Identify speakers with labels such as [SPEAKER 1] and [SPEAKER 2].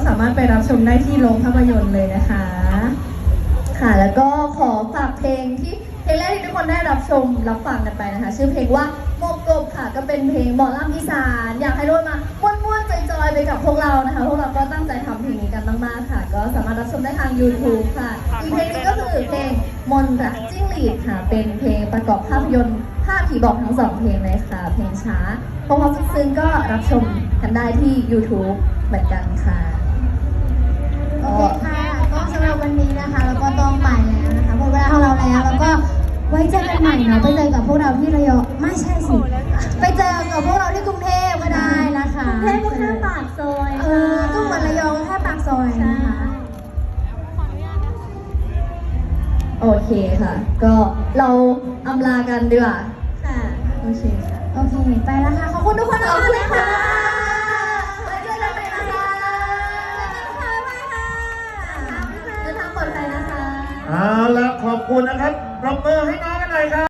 [SPEAKER 1] ามารถไปรับชมได้ที่โรงภาพยนตร์เลยนะคะค่ะแล้วก็ขอฝากเพลงแรกที่ทุกคนได้รับชมรับฟังกันไปนะคะชื่อเพลงว่าโมกบค่ะก็เป็นเพลงหมอลำอีสานอยากให้ทุกคนมาม่วนๆจอยๆไปกับพวกเรานะคะพวกเราก็ตั้งใจทำเพลงนี้กันมากๆค่ะก็สามารถรับชมได้ทาง YouTube ค่ะอีกเพลงนี้ก็คือเพลงมนต์รักจิ้งหรีดค่ะเป็นเพลงประกอบภาพยนตร์ภาพผีบอกทั้ง2เพลงเลยค่ะเพลงช้าเพราะซึ้งๆก็รับชมกันได้ที่ YouTube เหมือนกันค่ะ
[SPEAKER 2] โอเคค่ะก็สำหรับวันนี้นะคะแล้วก็ต้องไปแล้วนะคะหมดเวลาของเราแล้วแล้วก็ไว้เจอกันใหม่เนาะไปเจอกับพวกเราที่ระยองไม่ใช่สิไปเจอกับพวกเราที่กรุงเทพก็ได้นะคะ
[SPEAKER 1] กรุงเทพก็แค่ปากซอย
[SPEAKER 2] ก็เหมือนระยองแค่ปากซอยนะคะ
[SPEAKER 1] โอเคค่ะก็เราอำลากันดีกว่าค่ะโอเคค่ะ
[SPEAKER 2] โอเคไปแล้วค่ะขอบคุณทุกคนมากเลยค่ะ
[SPEAKER 1] ไว้เจอกันใหม่นะคะเดินทางปลอดภัยนะคะ
[SPEAKER 3] เอาละขอบคุณนะครับปรบมือให้น้องกันหน่อยครับ